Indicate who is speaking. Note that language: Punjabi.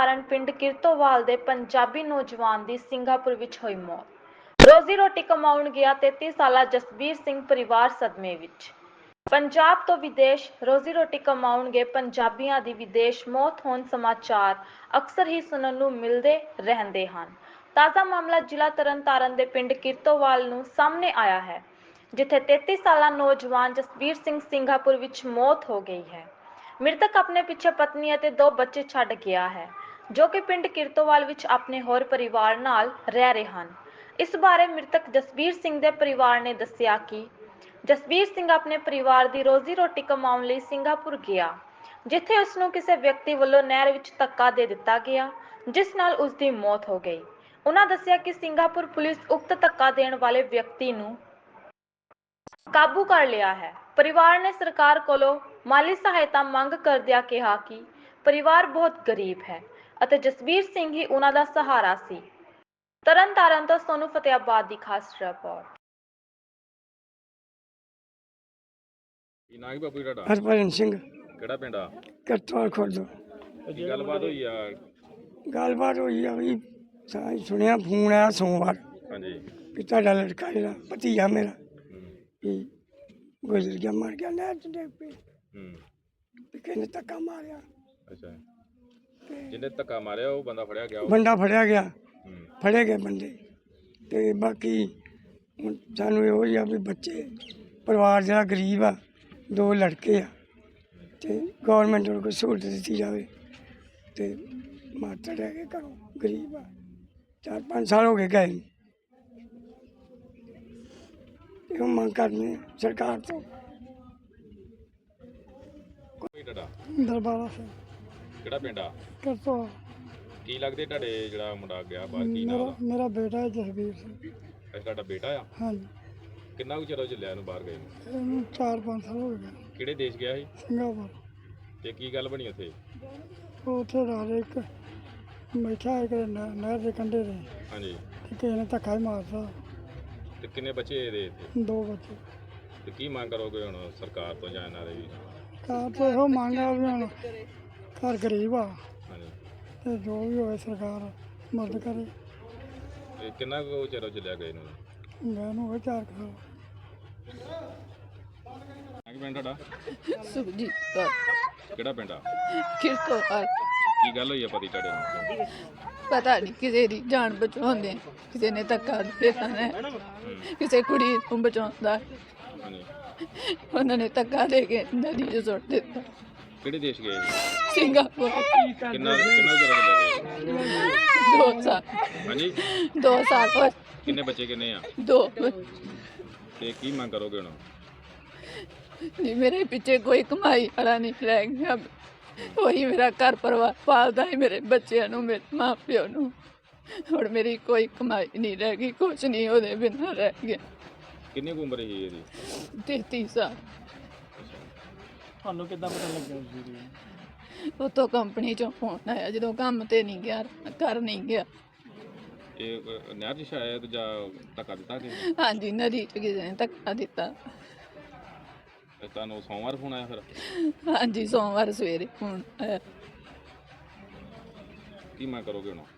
Speaker 1: ਕਾਰਨ ਪਿੰਡ ਕਿਰਤੋਵਾਲ ਦੇ ਪੰਜਾਬੀ ਨੌਜਵਾਨ ਦੀ ਸਿੰਗਾਪੁਰ ਵਿੱਚ ਹੋਈ ਮੌਤ। ਰੋਜ਼ੀ ਰੋਟੀ ਕਮਾਉਣ ਗਿਆ 33 ਸਾਲਾ ਜਸਬੀਰ ਸਿੰਘ ਪਰਿਵਾਰ ਸਦਮੇ ਵਿੱਚ। ਪੰਜਾਬ ਤੋਂ ਵਿਦੇਸ਼ ਰੋਜ਼ੀ ਰੋਟੀ ਕਮਾਉਣ ਗਏ ਪੰਜਾਬੀਆਂ ਦੀ ਵਿਦੇਸ਼ ਮੌਤ ਹੋਣ ਸਮਾਚਾਰ ਅਕਸਰ ਹੀ ਸੁਣਨ ਨੂੰ ਮਿਲਦੇ ਰਹਿੰਦੇ ਹਨ। ਤਾਜ਼ਾ ਮਾਮਲਾ ਜ਼ਿਲ੍ਹਾ ਤਰਨਤਾਰਨ ਦੇ ਪਿੰਡ ਕਿਰਤੋਵਾਲ ਨੂੰ ਸਾਹਮਣੇ ਆਇਆ ਹੈ, ਜਿੱਥੇ 33 ਸਾਲਾ ਨੌਜਵਾਨ ਜਸਬੀਰ ਸਿੰਘ ਸਿੰਗਾਪੁਰ ਵਿੱਚ ਮੌਤ ਹੋ ਗਈ ਹੈ। ਮ੍ਰਿਤਕ ਆਪਣੇ ਪਿੱਛੇ ਪਤਨੀ ਅਤੇ 2 ਬੱਚੇ ਛੱਡ ਗਿਆ ਹੈ, ਜੋ ਕਿ ਪਿੰਡ ਕਿਰਤੋਵਾਲ ਵਿੱਚ ਆਪਣੇ ਹੋਰ ਪਰਿਵਾਰ ਨਾਲ ਰਹਿ ਰਹੇ ਹਨ। ਇਸ ਬਾਰੇ ਮ੍ਰਿਤਕ ਜਸਬੀਰ ਸਿੰਘ ਦੇ ਪਰਿਵਾਰ ਨੇ ਦੱਸਿਆ ਕਿ ਜਸਬੀਰ ਸਿੰਘ ਆਪਣੇ ਪਰਿਵਾਰ ਦੀ ਰੋਜ਼ੀ ਰੋਟੀ ਕਮਾਉਣ ਲਈ ਸਿੰਗਾਪੁਰ ਗਿਆ, ਜਿੱਥੇ ਉਸ ਨੂੰ ਕਿਸੇ ਵਿਅਕਤੀ ਵੱਲੋਂ ਨਹਿਰ ਵਿੱਚ ਧੱਕਾ ਦੇ ਦਿੱਤਾ ਗਿਆ, ਜਿਸ ਨਾਲ ਉਸ ਦੀ ਮੌਤ ਹੋ ਗਈ। ਉਨ੍ਹਾਂ ਦੱਸਿਆ ਕਿ ਸਿੰਗਾਪੁਰ ਪੁਲਿਸ ਉਕਤ ਧੱਕਾ ਦੇਣ ਵਾਲੇ ਵਿਅਕਤੀ ਨੂੰ ਕਾਬੂ ਕਰ ਲਿਆ ਹੈ। ਪਰਿਵਾਰ ਨੇ ਸਰਕਾਰ ਕੋਲੋਂ ਮਾਲੀ ਸਹਾਇਤਾ ਮੰਗ ਕਰਦਿਆਂ ਕਿਹਾ ਕਿ ਪਰਿਵਾਰ ਬਹੁਤ ਗਰੀਬ ਹੈ ਅਤੇ ਜਸਬੀਰ ਸਿੰਘ ਹੀ ਉਨ੍ਹਾਂ ਦਾ ਸਹਾਰਾ ਸੀ। ਤਰਨਤਾਰਨ ਤੋਂ ਸੋਨੂੰ ਫਤਿਆਬਾਦ ਦੀ ਖਾਸ ਰਿਪੋਰਟ।
Speaker 2: ਕੀ ਨਾਂ ਹੈ ਬਾਪੂ ਜੀ ਤੁਹਾਡਾ?
Speaker 3: ਹਰਭਜਨ ਸਿੰਘ,
Speaker 2: ਕਿਹੜਾ ਪਿੰਡ ਆ?
Speaker 3: ਕਿਰਤੋਵਾਲ ਖੁਰਦ।
Speaker 2: ਕੀ ਗੱਲਬਾਤ ਹੋਈ ਆ?
Speaker 3: ਗੱਲਬਾਤ ਹੋਈ ਆ ਵੀ ਸਾਂ ਸੁਣਿਆ ਫੋਨ ਆਇਆ ਸੋਮਵਾਰ
Speaker 2: ਹਾਂਜੀ।
Speaker 3: ਵੀ ਤੁਹਾਡਾ ਲੜਕਾ ਜਿਹੜਾ ਭਤੀਜਾ ਮੇਰਾ ਵੀ ਗੁਜ਼ਰ ਗਿਆ, ਮਰ ਗਿਆ ਨਹਿਰ 'ਚ ਡਿੱਗ ਪਈ। ਵੀ ਕਿਸੇ ਨੇ ਧੱਕਾ ਮਾਰਿਆ।
Speaker 2: ਅੱਛਾ, ਜਿਹਨੇ ਧੱਕਾ ਮਾਰਿਆ ਉਹ ਬੰਦਾ ਫੜਿਆ ਗਿਆ?
Speaker 3: ਬੰਦਾ ਫੜਿਆ ਗਿਆ, ਫੜੇ ਗਏ ਬੰਦੇ। ਤੇ ਬਾਕੀ ਹੁਣ ਸਾਨੂੰ ਇਹੋ ਹੀ ਆ ਵੀ ਬੱਚੇ ਪਰਿਵਾਰ ਜਿਹੜਾ ਗਰੀਬ ਆ, 2 ਲੜਕੇ ਆ, ਤੇ ਗੌਰਮੈਂਟ ਨੂੰ ਕੋਈ ਸਹੂਲਤ ਦਿੱਤੀ ਜਾਵੇ। ਤੇ ਮਾਤਾ ਰਹਿ ਕੇ ਘਰੋਂ ਗਰੀਬ ਆ, 4-5 ਸਾਲ ਹੋ ਗਏ ਗਏ ਨੂੰ। ਇਹੋ ਮੰਗ ਕਰਨੀ ਆ ਸਰਕਾਰ ਤੋਂ।
Speaker 2: ਕੋਈ ਤੁਹਾਡਾ?
Speaker 3: ਦਰਬਾਰਾ ਸਿੰਘ,
Speaker 2: ਕਿਹੜਾ ਪਿੰਡ ਆ?
Speaker 3: ਕਿਰਤੋਵਾਲ।
Speaker 2: ਕੀ ਲੱਗਦੇ ਤੁਹਾਡੇ ਜਿਹੜਾ ਮੁੰਡਾ ਗਿਆ ਬਾਹਰ? ਕੀ ਨਾਂ ਉਹਦਾ?
Speaker 3: ਮੇਰਾ ਬੇਟਾ ਹੈ ਜਸਬੀਰ ਸਿੰਘ।
Speaker 2: ਅੱਛਾ, ਤੁਹਾਡਾ ਬੇਟਾ ਆ?
Speaker 3: ਹਾਂਜੀ,
Speaker 2: ਕਿੰਨਾ ਕੁ ਚਿਰ ਹੋ ਚੱਲਿਆ ਇਹਨੂੰ ਬਾਹਰ ਗਏ ਨੂੰ?
Speaker 3: ਇਹਨੂੰ 4-5 ਸਾਲ ਹੋ ਗਏ।
Speaker 2: ਕਿਹੜੇ ਦੇਸ਼ ਗਿਆ ਸੀ
Speaker 3: ਸਿੰਗਾਪੁਰ।
Speaker 2: ਤੇ ਕੀ ਗੱਲ ਬਣੀ ਉੱਥੇ?
Speaker 3: ਉਹ ਉੱਥੇ ਰਾਤ ਇੱਕ ਬੈਠਾ ਇੱਕ ਨਹਿਰ ਦੇ ਕੰਢੇ 'ਤੇ,
Speaker 2: ਹਾਂਜੀ।
Speaker 3: ਤੇ ਕਿਸੇ ਨੇ ਧੱਕਾ ਹੀ ਮਾਰਤਾ।
Speaker 2: ਤੇ ਕਿੰਨੇ ਬੱਚੇ ਇਹਦੇ ਇੱਥੇ?
Speaker 3: 2 ਬੱਚੇ।
Speaker 2: ਤੇ ਕੀ ਮੰਗ ਕਰੋਗੇ ਹੁਣ ਸਰਕਾਰ ਤੋਂ ਜਾਂ ਇਹਨਾਂ ਦੇ ਵੀ?
Speaker 3: ਕਾਰ ਤੋਂ ਇਹੋ ਮੰਗ ਆ ਵੀ ਹੁਣ ਘਰ ਗਰੀਬ ਆ,
Speaker 2: ਹਾਂਜੀ।
Speaker 3: ਤੇ ਜੋ ਵੀ ਹੋਵੇ ਸਰਕਾਰ ਮਦਦ ਕਰੇ।
Speaker 2: ਤੇ ਕਿੰਨਾ ਕੁ ਚਿਰ ਹੋ ਚੱਲਿਆ ਗਏ ਨੂੰ?
Speaker 3: ਮੈਂ ਨੂੰ ਹੋਵੇ 4 ਸਾਲ।
Speaker 2: ਕੀ ਪਿੰਡ ਤੁਹਾਡਾ?
Speaker 4: ਸੁਖਜੀਤ ਕੌਰ,
Speaker 2: ਕਿਹੜਾ ਪਿੰਡ ਆ?
Speaker 4: ਕਿਰਤੋਵਾਲ।
Speaker 2: ਕੀ ਗੱਲ ਹੋਈ ਆ ਪਤੀ ਤੁਹਾਡੇ ਨੂੰ?
Speaker 4: ਪਤਾ ਨਹੀਂ ਕਿਸੇ ਦੀ ਜਾਨ ਬਚਾਉਂਦੇ, ਕਿਸੇ ਨੇ ਧੱਕਾ ਦੇ ਦਿੱਤਾ ਹੈ, ਕਿਸੇ ਕੁੜੀ ਨੂੰ ਬਚਾਉਂਦਾ,
Speaker 2: ਹਾਂਜੀ।
Speaker 4: ਉਹਨਾਂ ਨੇ ਧੱਕਾ ਦੇ ਕੇ ਨਦੀ 'ਚ ਸੁੱਟ ਦਿੱਤਾ।
Speaker 2: ਕਿਹੜੇ ਦੇਸ਼ ਗਏ ਸੀ?
Speaker 4: ਸਿੰਗਾਪੁਰ।
Speaker 2: ਕਿੰਨਾ ਚਿਰ ਹੋ ਚੱਲਿਆ ਗਏ?
Speaker 4: 2 ਸਾਲ।
Speaker 2: ਹਾਂਜੀ।
Speaker 4: 2 ਸਾਲ ਹੋਏ।
Speaker 2: ਕਿੰਨੇ ਬੱਚੇ ਕਿੰਨੇ ਆ?
Speaker 4: 2।
Speaker 2: ਤੇ ਕੀ ਮੰਗ ਕਰੋਗੇ ਹੁਣ?
Speaker 4: ਨਹੀਂ, ਮੇਰੇ ਪਿੱਛੇ ਕੋਈ ਕਮਾਈ ਵਾਲਾ ਨਹੀਂ ਰਹਿ ਗਿਆ। ਉਹੀ ਮੇਰਾ ਘਰ ਪਰਿਵਾਰ ਪਾਲਦਾ ਹੈ, ਮੇਰੇ ਬੱਚਿਆਂ ਨੂੰ, ਮੇਰੇ ਮਾਂ ਪਿਓ ਨੂੰ। ਹੁਣ ਮੇਰੀ ਕੋਈ ਕਮਾਈ ਨਹੀਂ ਰਹਿ ਗਈ, ਕੁਛ ਨਹੀਂ ਉਹਦੇ ਬਿਨਾਂ ਰਹਿ ਗਿਆ।
Speaker 2: ਕਿੰਨੀ ਕੁ ਉਮਰ ਸੀ ਇਹਦੀ?
Speaker 4: 33 ਸਾਲ।
Speaker 3: ਤੁਹਾਨੂੰ ਕਿੱਦਾਂ ਪਤਾ ਲੱਗਿਆ ਉਸ ਦੀ?
Speaker 4: ਉਤੋਂ ਕੰਪਨੀ 'ਚੋਂ ਫੋਨ ਆਇਆ, ਜਦੋਂ ਕੰਮ ਤੇ ਨਹੀਂ ਗਿਆ, ਘਰ ਨਹੀਂ ਗਿਆ।
Speaker 2: ਇਹ ਨਹਿਰ 'ਚ ਸ਼ਾਇਦ ਜਾਂ ਧੱਕਾ ਦਿੱਤਾ ਕਿ?
Speaker 4: ਹਾਂਜੀ, ਨਦੀ 'ਚ ਕਿਸੇ ਨੇ ਧੱਕਾ ਦਿੱਤਾ।
Speaker 2: ਤੁਹਾਨੂੰ ਸੋਮਵਾਰ ਫੋਨ ਆਇਆ ਫਿਰ?
Speaker 4: ਹਾਂਜੀ, ਸੋਮਵਾਰ ਸਵੇਰੇ ਫੋਨ ਆਇਆ।
Speaker 2: ਕੀ ਮੰਗ ਕਰੋਗੇ ਹੁਣ?